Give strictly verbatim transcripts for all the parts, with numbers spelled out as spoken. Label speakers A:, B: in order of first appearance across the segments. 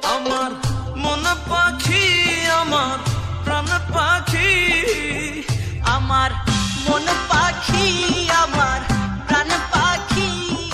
A: আমার মন পাখি আমার প্রাণ পাখি,
B: আমার মন পাখি আমার প্রাণ পাখি।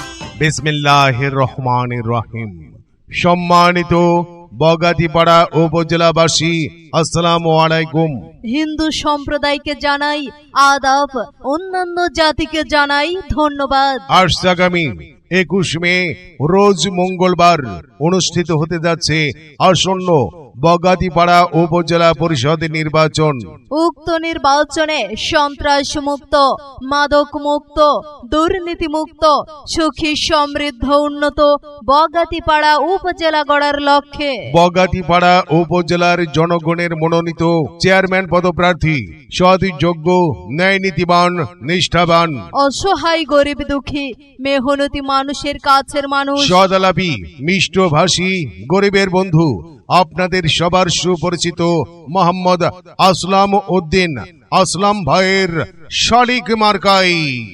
C: বিসমিল্লাহির রহমানির রহিম। সম্মানিত বগাতিপাড়া উপজেলাবাসী, আসসালামু আলাইকুম।
B: হিন্দু সম্প্রদায়কে জানাই আদাব, অন্যান্য জাতিকে জানাই ধন্যবাদ।
C: আজ আগামী একুশ মে রোজ মঙ্গলবার অনুষ্ঠিত হতে যাচ্ছে আসন্ন বগাতিপাড়া উপজেলা পরিষদ নির্বাচন।
B: উক্ত নির্বাচনে সন্ত্রাস মুক্ত, মাদক মুক্ত, দুর্নীতি মুক্ত, সুখী সমৃদ্ধ উন্নত বগাতিপাড়া উপজেলা গড়ার লক্ষ্যে
C: বগাতিপাড়া উপজেলার জনগণের মনোনীত চেয়ারম্যান পদপ্রার্থী সৎ, যোগ্য, ন্যায় নীতিবান, নিষ্ঠাবান,
B: অসহায় গরিব দুঃখী মেহনতি মানুষের কাছের মানুষ,
C: সদালাপী, মিষ্টভাষী, গরিবের বন্ধু, আপনাদের সবার সুপরিচিত মোহাম্মদ আসলাম উদ্দিন আসলাম ভাইয়ের শালিক মার্কাই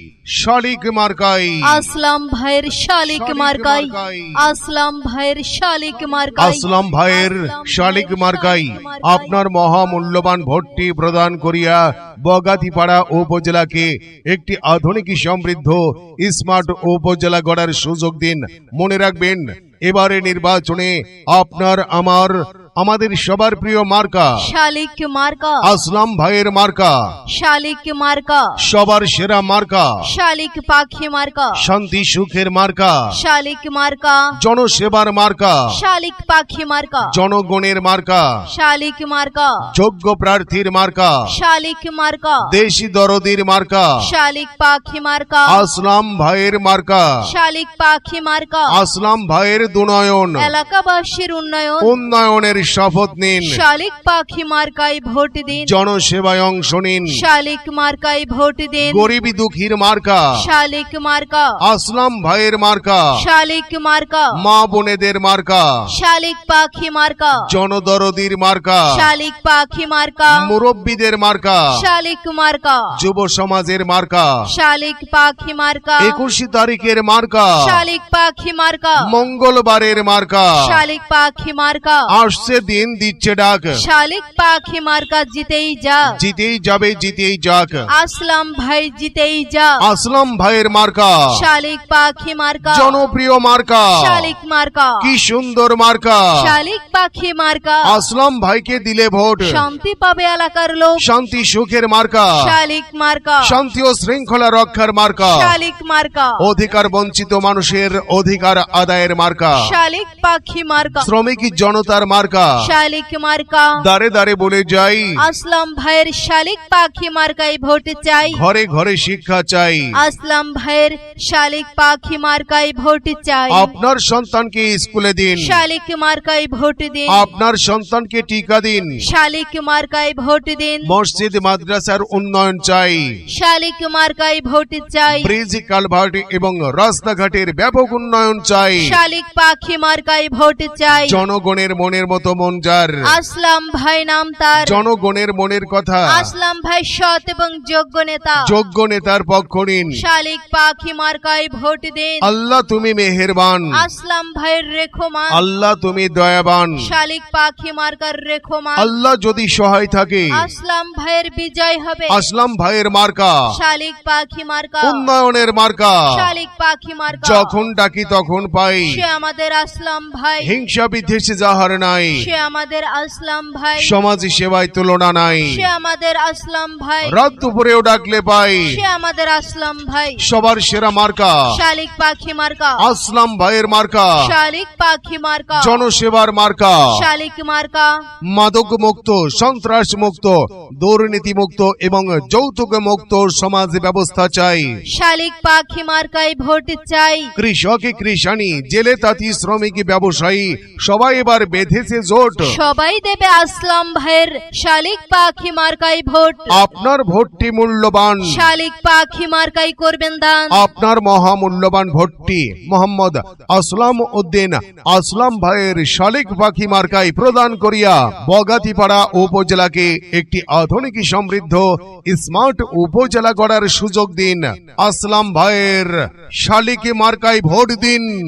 C: শালিক মার্কাই
B: আসলাম ভাইয়ের শালিক মার্কাই আসলাম ভাইয়ের শালিক মার্কাই
C: আসলাম ভাইয়ের শালিক মার্কাই আপনার মহামূল্যবান ভোটটি প্রদান করিয়া বগাতিপাড়া উপজেলাকে একটি আধুনিক সমৃদ্ধ স্মার্ট উপজেলা গড়ার সুযোগ দিন। মনে রাখবেন, এবারে নির্বাচনে আপনার আমার আমাদের সবার প্রিয় মার্কা
B: শালিক মার্কা,
C: আসলাম ভাইয়ের মার্কা,
B: শালিক মার্কা,
C: সবার সেরা মার্কা,
B: শালিক পাখি মার্কা,
C: শান্তি সুখের মার্কা,
B: শালিক মার্কা,
C: জনসেবার মার্কা,
B: শালিক পাখি মার্কা,
C: জনগণের মার্কা,
B: শালিক মার্কা,
C: যোগ্য প্রার্থীর মার্কা,
B: শালিক মার্কা,
C: দেশি দরদির মার্কা,
B: শালিক পাখি মার্কা,
C: আসলাম ভাইয়ের মার্কা,
B: শালিক পাখি মার্কা,
C: আসলাম ভাইয়ের দুনয়ন,
B: এলাকাবাসীর উন্নয়ন,
C: উন্নয়নের শপথ নিন,
B: শালিক পাখি মার্কায় ভোট দিন,
C: জনসেবায় অংশ নিন,
B: শালিক মার্কায় ভোট দিন,
C: গরিবী দুঃখীর মার্কা
B: শালিক মার্কা,
C: আসলাম ভাইয়ের মার্কা,
B: শালিক মার্কা,
C: মা বোনেদের মার্কা,
B: শালিক পাখি মার্কা,
C: জনদরদির মার্কা,
B: শালিক পাখি মার্কা,
C: মুরব্বীদের মার্কা,
B: শালিক মার্কা,
C: যুব সমাজের মার্কা,
B: শালিক পাখি মার্কা,
C: একুশ তারিখের মার্কা,
B: শালিক পাখি মার্কা,
C: মঙ্গলবারের মার্কা,
B: শালিক পাখি মার্কা,
C: আসছে দিন দিচ্ছে ডাক,
B: শালিক পাখি মার্কা জিতেই যা,
C: জিতেই যাবে জিতেই যাক,
B: আসলাম ভাই জিতেই যা,
C: আসলাম ভাইয়ের মার্কা,
B: শালিক পাখি মার্কা,
C: জনপ্রিয় মার্কা,
B: শালিক মার্কা,
C: কি সুন্দর মার্কা,
B: শালিক পাখি মার্কা,
C: আসলাম ভাইকে দিলে ভোট,
B: শান্তি পাবে এলাকার লোক,
C: শান্তি সুখের মার্কা,
B: শালিক মার্কা,
C: শান্তি ও শৃঙ্খলা রক্ষার মার্কা,
B: শালিক মার্কা,
C: অধিকার বঞ্চিত মানুষের অধিকার আদায়ের মার্কা,
B: শালিক পাখি মার্কা,
C: শ্রমিক জনতার মার্কা,
B: শালিক মার্কা,
C: দাঁড়ে দাঁড়ে বলে যাই,
B: আসলাম ভাইয়ের শালিক পাখি মার্কায় ভোট চাই,
C: ঘরে ঘরে শিক্ষা চাই,
B: আসলাম ভাইয়ের শালিক পাখি মার্কায় ভোট চাই,
C: আপনার সন্তানকে স্কুলে দিন,
B: শালিক মার্কায় ভোট দিন,
C: আপনার সন্তানকে টিকা দিন,
B: শালিক মার্কায় ভোট দিন,
C: মসজিদ মাদ্রাসার উন্নয়ন চাই,
B: শালিক মার্কায় ভোট চাই,
C: ব্রিজ কালভার্ট এবং রাস্তাঘাটের ব্যাপক উন্নয়ন চাই,
B: শালিক পাখি মার্কায় ভোট চাই,
C: জনগণের মনের মতো মন যার,
B: আসলাম ভাই নাম তার,
C: জনগণের মনের কথা,
B: আসলাম ভাই সৎ এবং যোগ্য নেতা,
C: যোগ্য নেতার পক্ষ নিন,
B: শালিক পাখি মার্কায় ভোট দিন,
C: আল্লাহ তুমি মেহেরবান,
B: আসলাম ভাইয়ের রেখমান,
C: আল্লাহ তুমি দয়াবান,
B: শালিক পাখি মার্কার রেখমান,
C: আল্লাহ যদি সহায় থাকে,
B: আসলাম ভাইয়ের বিজয় হবে,
C: আসলাম ভাইয়ের মার্কা,
B: শালিক পাখি মার্কা,
C: উন্নয়নের মার্কা,
B: শালিক পাখি মার্কা,
C: যখন ডাকি তখন পাই,
B: সে আমাদের আসলাম ভাই,
C: হিংসা বিদ্বেষে যাহার নাই,
B: সে আমাদের আসলাম ভাই,
C: সমাজ সেবায় তুলনা নাই,
B: সে আমাদের আসলাম ভাই,
C: রাত দুপুরেও ডাকলে পাই,
B: সে আমাদের আসলাম ভাই,
C: সবার সেরা মার্কা,
B: শালিক পাখি মার্কা,
C: আসলাম ভাইয়ের মার্কা,
B: শালিক পাখি মার্কা,
C: জনসেবার মার্কা,
B: শালিক মার্কা,
C: মাদক মুক্ত, সন্ত্রাস মুক্ত, দুর্নীতি মুক্ত এবং যৌতুক মুক্ত সমাজ ব্যবস্থা চাই,
B: শালিক পাখি মার্কায় ভোট চাই,
C: কৃষক কৃষানি, জেলে তাঁতি, শ্রমিক ব্যবসায়ী সবাই এবার বেঁধেছে জোট,
B: সবাই দেবে আসলাম ভাইয়ের শালিক পাখি মার্কায় ভোট,
C: আপনার ভোটটি মূল্যবান,
B: শালিক পাখি মার্কায় করবেন দান,
C: আপনার মহামূল্যবান ভোটটি মোহাম্মদ আসলাম উদ্দিন আসলাম ভাইয়ের শালিক পাখি মার্কায় প্রদান করিয়া বগাতিপাড়া উপজেলাকে একটি আধুনিক সমৃদ্ধ স্মার্ট উপজেলা গড়ার সুযোগ দিন। আসলাম ভাইয়ের শালিক মার্কায় ভোট দিন।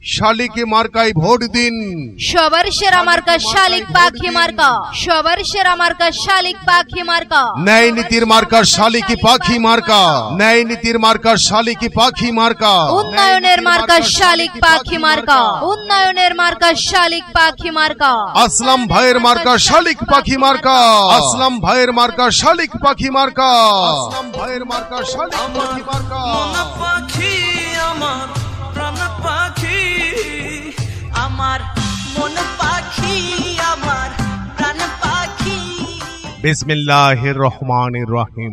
C: শালিক মার্কায় ভোট দিন।
B: সবার সেরা মার্কা শালিক পাখি মার্কা, সবার সেরা মার্কা শালিক পাখি মার্কা।
C: ন্যায় নীতির মার্কা শালিক পাখি মার্কা, ন্যায় নীতির মার্কা শালিক পাখি মার্কা।
B: উন্নয়নের মার্কা শালিক পাখি মার্কা, উন্নয়নের মার্কা শালিক পাখি মার্কা।
C: আসলাম ভাইয়ের মার্কা শালিক পাখি মার্কা, আসলাম ভাইয়ের মার্কা শালিক পাখি মার্কা, আসলাম ভাইয়ের মার্কা শালিক পাখি মার্কা।
A: মন পাখি আমার প্রাণ পাখি,
D: আমার মন পাখি, আমার প্রাণ পাখি।
C: বিসমিল্লাহির রহমানির রহিম।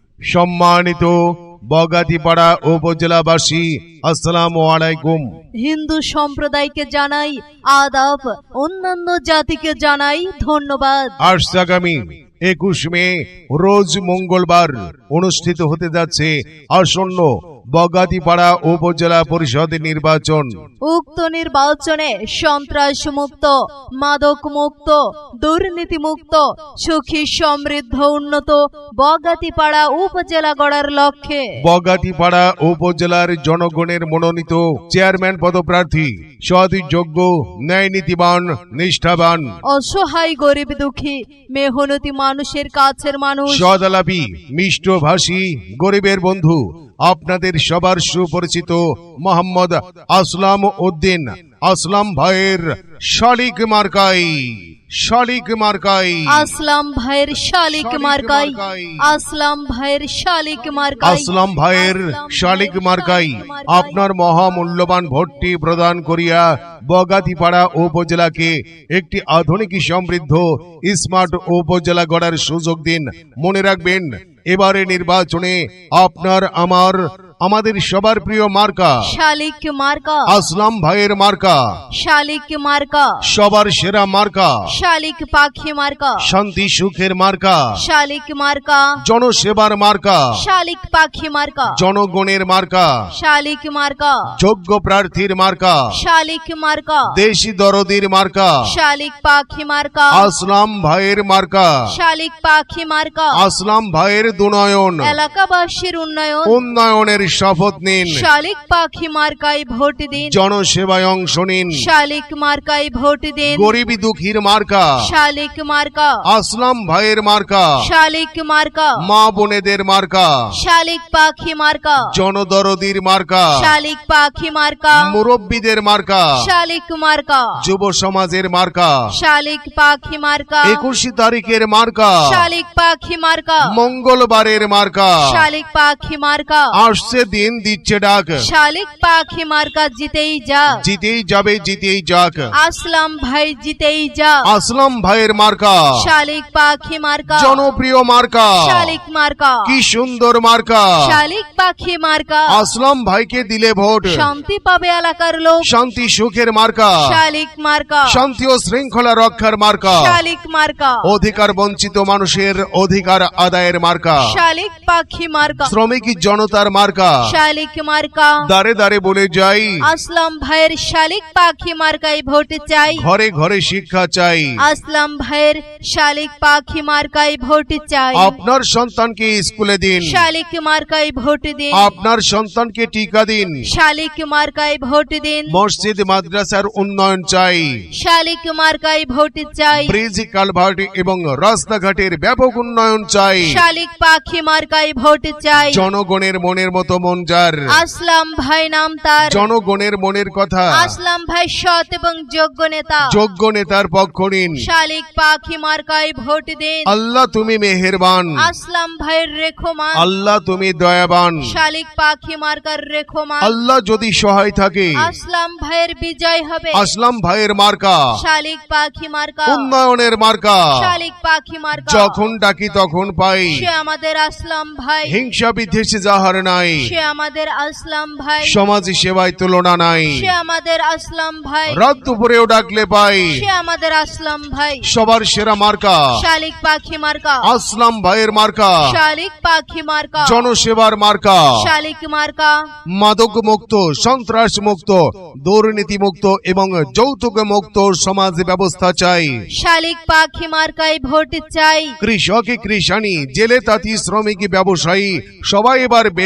C: সম্মানিত বগাতিপাড়া উপজেলাবাসী, আসসালামু আলাইকুম।
B: হিন্দু সম্প্রদায়কে জানাই আদাব, অন্যান্য জাতিকে জানাই ধন্যবাদ।
C: আসছে আগামী একুশ মে রোজ মঙ্গলবার অনুষ্ঠিত হতে যাচ্ছে আসন্ন বগাতিপাড়া উপজেলা পরিষদ নির্বাচন।
B: উক্ত নির্বাচনে সন্ত্রাস মুক্ত, মাদক মুক্ত, দুর্নীতি মুক্ত, সুখী সমৃদ্ধ উন্নত বগাতিপাড়া উপজেলা গড়ার লক্ষ্যে
C: বগাতিপাড়া উপজেলার জনগণের মনোনীত চেয়ারম্যান পদপ্রার্থী সৎ, যোগ্য, ন্যায় নীতিবান, নিষ্ঠাবান,
B: অসহায় গরিব দুঃখী মেহনতি মানুষের কাছের মানুষ,
C: সদালাপী, মিষ্টভাষী, গরিবের বন্ধু, আপনাদের সবার সুপরিচিত মোহাম্মদ আসলাম উদ্দিন আসলাম ভাইয়ের শালিক মার্কাই, শালিক মার্কাই,
B: আসলাম ভাইয়ের শালিক মার্কাই, আসলাম ভাইয়ের শালিক মার্কাই,
C: আসলাম ভাইয়ের শালিক মার্কাই আপনার মহামূল্যবান ভোটটি প্রদান করিয়া বগাতিপাড়া উপজেলাকে একটি আধুনিক সমৃদ্ধ স্মার্ট উপজেলা গড়ার সুযোগ দিন। মনে রাখবেন, এবারে নির্বাচনে আপনার আমার আমাদের সবার প্রিয় মার্কা
B: শালিক মার্কা,
C: আসলাম ভাইয়ের মার্কা,
B: শালিক মার্কা,
C: সবার সেরা মার্কা,
B: শালিক পাখি মার্কা,
C: শান্তি সুখের মার্কা,
B: শালিক মার্কা,
C: জনসেবার মার্কা,
B: শালিক পাখি মার্কা,
C: জনগণের মার্কা,
B: শালিক মার্কা,
C: যোগ্য প্রার্থীর মার্কা,
B: শালিক মার্কা,
C: দেশি দরদির মার্কা,
B: শালিক পাখি মার্কা,
C: আসলাম ভাইয়ের মার্কা,
B: শালিক পাখি মার্কা।
C: আসলাম ভাইয়ের দুনয়ন,
B: এলাকাবাসীর উন্নয়ন,
C: উন্নয়নের শপথ নিন,
B: শালিক পাখি মার্কায় ভোট দিন,
C: জনসেবায় অংশ নিন,
B: শালিক মার্কায় ভোট দিন,
C: গরিবী দুঃখীর মার্কা
B: শালিক মার্কা,
C: আসলাম ভাইয়ের মার্কা,
B: শালিক মার্কা,
C: মা বোনেদের মার্কা,
B: শালিক পাখি মার্কা,
C: জনদরদির মার্কা,
B: শালিক পাখি মার্কা,
C: মুরব্বীদের মার্কা,
B: শালিক মার্কা,
C: যুব সমাজের মার্কা,
B: শালিক পাখি মার্কা,
C: একুশ তারিখের মার্কা,
B: শালিক পাখি মার্কা,
C: মঙ্গলবারের মার্কা,
B: শালিক পাখি মার্কা,
C: আসছে দিন দিচ্ছে ডাক,
B: শালিক পাখি মার্কা জিতেই যা,
C: জিতেই যাবে জিতেই যাক,
B: আসলাম ভাই জিতেই যা,
C: আসলাম ভাইয়ের মার্কা,
B: শালিক পাখি মার্কা,
C: জনপ্রিয় মার্কা,
B: শালিক মার্কা,
C: কি সুন্দর মার্কা,
B: শালিক পাখি মার্কা,
C: আসলাম ভাইকে দিলে ভোট,
B: শান্তি পাবে এলাকার লোক,
C: শান্তি সুখের মার্কা,
B: শালিক মার্কা,
C: শান্তি ও শৃঙ্খলা রক্ষার মার্কা,
B: শালিক মার্কা,
C: অধিকার বঞ্চিত মানুষের অধিকার আদায়ের মার্কা,
B: শালিক পাখি মার্কা,
C: শ্রমিক জনতার মার্কা,
B: শালিক মার্কা।
C: দাঁড়ে দাঁড়ে বলে যাই,
B: আসলাম ভাইয়ের শালিক পাখি মার্কায় ভোট চাই,
C: ঘরে ঘরে শিক্ষা চাই,
B: আসলাম ভাইয়ের শালিক পাখি মার্কায় ভোট চাই,
C: আপনার সন্তানকে স্কুলে দিন,
B: শালিক মার্কায় ভোট দিন,
C: আপনার সন্তানকে টিকা দিন,
B: শালিক মার্কায় ভোট দিন,
C: মসজিদ মাদ্রাসার উন্নয়ন চাই,
B: শালিক মার্কায় ভোট চাই,
C: ব্রিজ কালভার্ট এবং রাস্তাঘাটের ব্যাপক উন্নয়ন চাই,
B: শালিক পাখি মার্কায় ভোট চাই,
C: জনগণের মনের মতো মন যার,
B: আসলাম ভাই নাম তার,
C: জনগণের মনের কথা,
B: আসলাম ভাই সৎ এবং যোগ্য নেতা,
C: যোগ্য নেতার পক্ষ নিন,
B: শালিক পাখি মার্কায় ভোট দিন,
C: আল্লাহ তুমি মেহেরবান,
B: আসলাম ভাইয়ের রেখমান,
C: আল্লাহ তুমি দয়াবান,
B: শালিক পাখি মার্কার রেখমান,
C: আল্লাহ যদি সহায় থাকে,
B: আসলাম ভাইয়ের বিজয় হবে,
C: আসলাম ভাইয়ের মার্কা,
B: শালিক পাখি মার্কা,
C: উন্নয়নের মার্কা,
B: শালিক পাখি মার্কা,
C: যখন ডাকি তখন পাই,
B: সে আমাদের আসলাম ভাই,
C: হিংসা বিদ্বেষে যাহার নাই,
B: সে আমাদের আসলাম ভাই,
C: সমাজ সেবায় তুলনা নাই,
B: সে আমাদের আসলাম ভাই,
C: রাত দুপুরেও ডাকলে পাই,
B: সে আমাদের আসলাম ভাই,
C: সবার সেরা মার্কা,
B: শালিক পাখি মার্কা,
C: আসলাম ভাইয়ের মার্কা,
B: শালিক পাখি মার্কা,
C: জনসেবার মার্কা,
B: শালিক মার্কা,
C: মাদক মুক্ত, সন্ত্রাস মুক্ত, দুর্নীতি মুক্ত এবং যৌতুক মুক্ত সমাজ ব্যবস্থা চাই,
B: শালিক পাখি মার্কায় ভোট চাই,
C: কৃষক কৃষানি জেলে তাঁতি শ্রমিক ব্যবসায়ী সবাই এবার বেঁধেছে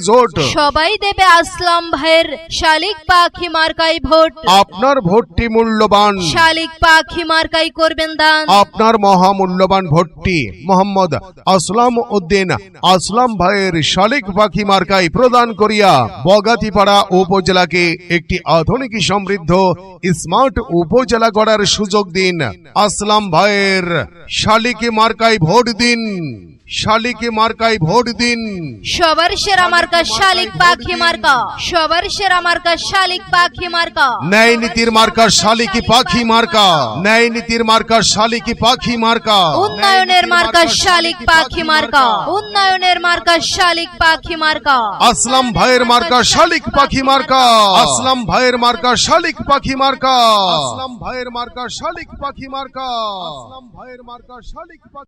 C: জোট।
B: সবাই দেবে আসলাম ভাইয়ের শালিক পাখি মার্কাই ভোট।
C: আপনার ভোটটি মূল্যবান,
B: শালিক পাখি মার্কাই করবেন দান।
C: আপনার মহামূল্যবান ভোটটি মোহাম্মদ আসলাম উদ্দিন আসলাম ভাইয়ের শালিক পাখি মার্কাই প্রদান করিয়া বগাতিপাড়া উপজেলাকে একটি আধুনিক সমৃদ্ধ স্মার্ট উপজেলা গড়ার সুযোগ দিন। আসলাম ভাইয়ের শালিক মার্কাই ভোট দিন, শালিক মার্কাই ভোট দিন।
B: সবার সেরা মার্কা শালিক পাখি মার্কা, সবার সেরা মার্কা শালিক পাখি মার্কা।
C: ন্যায় নীতির মার্কা শালিকি পাখি মার্কা, ন্যায় নীতির মার্কা শালিকি পাখি মার্কা।
B: উন্নয়নের মার্কা শালিক পাখি মার্কা, উন্নয়নের মার্কা শালিক পাখি মার্কা।
C: আসলাম ভাইয়ের মার্কা শালিক পাখি মার্কা, আসলাম ভাইয়ের মার্কা শালিক পাখি মার্কা, আসলাম ভাইয়ের মার্কা শালিক পাখি মার্কা, আসলাম ভাইয়ের মার্কা শালিক পাখি।